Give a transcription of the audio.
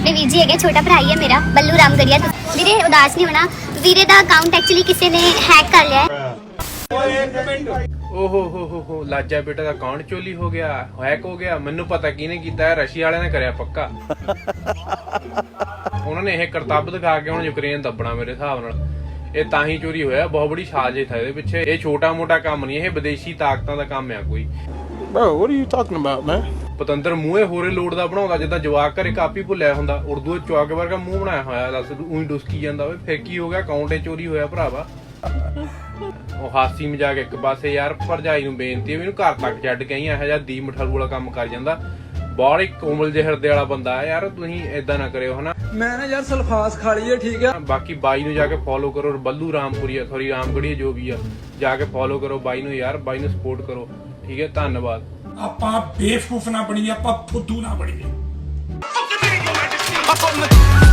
ਆਪਣੇ ਵੀਰ ਜੀ ਹੈਗੇ, ਛੋਟਾ ਭਰਾ ਹੀ ਹੈ ਮੇਰਾ, ਬੱਲੂ ਰਾਮਗੜੀਆ। ਵੀਰੇ ਉਦਾਸ ਨਹੀਂ ਹੋਣਾ, ਵੀਰੇ ਦਾ ਅਕਾਊਂਟ ਐਕਚੁਅਲੀ ਕਿਸੇ ਨੇ ਹੈਕ ਕਰ ਲਿਆ ਹੈ। ਓਹੋ ਹੋ ਲਾਜਾ ਬੇਟਾ ਦਾ ਅਕਾਊਂਟ ਚੋਰੀ ਹੋ ਗਿਆ, ਹੈਕ ਹੋ ਗਿਆ। ਮੈਨੂੰ ਪਤਾ ਕਿਹਨੇ ਕੀਤਾ ਹੈ, ਰਸ਼ੀਆ ਵਾਲਿਆਂ ਨੇ ਕਰਿਆ ਪੱਕਾ। ਉਹਨਾਂ ਨੇ ਇਹ ਕਰਤੱਵ ਦਿਖਾ ਕੇ ਹੁਣ ਯੂਕਰੇਨ ਦੱਬਣਾ ਮੇਰੇ ਹਿਸਾਬ ਨਾਲ। ਇਹ ਤਾਂ ਹੀ ਚੋਰੀ ਹੋਇਆ, ਬਹੁਤ ਬੜੀ ਸਾਜ਼ਿਸ਼ ਹੈ ਇਹਦੇ ਪਿੱਛੇ। ਇਹ ਛੋਟਾ ਮੋਟਾ ਕੰਮ ਨਹੀਂ, ਇਹ ਵਿਦੇਸ਼ੀ ਤਾਕਤਾਂ ਦਾ ਕੰਮ ਆ ਕੋਈ। Bro, what are you talking about, man? ਪਤੰਦਰ ਮੂੰਹੇ ਹੋਰੇ ਲੋੜ ਦਾ ਬਣਾਉਂਦਾ, ਜਿੱਦਾਂ ਜਵਾਕ ਘਰੇ ਕਾਪੀ ਭੁੱਲਿਆ ਹੁੰਦਾ, ਉਰਦੂ ਚ ਚੌਕ ਵਰਗਾ ਮੂੰਹ ਬਣਾਇਆ ਹੋਇਆ। ਦੱਸ ਉਹੀ ਡੁਸਕੀ ਜਾਂਦਾ ਓਏ, ਫਿਰ ਕੀ ਹੋ ਗਿਆ? ਅਕਾਊਂਟ ਚੋਰੀ ਹੋਇਆ ਭਰਾਵਾ। ਉਹ ਹਾਸੀ ਮਜ਼ਾਕ ਇੱਕ ਪਾਸੇ ਯਾਰ। ਭਰਜਾਈ ਨੂੰ ਬੇਨਤੀ ਹੈ ਮੈਨੂੰ ਘਰ ਤੱਕ ਛੱਡ ਕੇ ਆਈ, ਇਹੋ ਜਿਹਾ ਦੀ ਮਠਾਰੂ ਵਾਲਾ ਕੰਮ ਕਰ ਜਾਂਦਾ। ਬਹੁਤ ਹੀ ਕੋਮਲ ਜਿਹੇ ਹਿਰਦੇ ਵਾਲਾ ਬੰਦਾ ਹੈ ਯਾਰ, ਤੁਸੀਂ ਏਦਾਂ ਨਾ ਕਰਿਓ ਹਨਾ। ਮੈਂ ਨਾ ਯਾਰ ਸਲਫਾਸ ਖਾ ਲਈ ਹੈ, ਠੀਕ ਆ। ਬਾਕੀ ਬਾਈ ਨੂੰ ਜਾ ਕੇ ਫੋਲੋ ਕਰੋ, ਬੱਲੂ ਰਾਮਪੁਰੀਆ ਸੌਰੀ ਰਾਮਗੜੀਆ ਜੋ ਵੀ ਆ, ਜਾ ਕੇ ਫੋਲੋ ਕਰੋ ਬਾਈ ਨੂੰ ਯਾਰ, ਬਾਈ ਨੂੰ ਸਪੋਰਟ ਕਰੋ, ਠੀਕ ਹੈ। ਧੰਨਵਾਦ। ਆਪਾਂ ਬੇਵਕੂਫ ਨਾ ਬਣੀਏ, ਆਪਾਂ ਫੁੱਦੂ ਨਾ ਬਣੀਏ।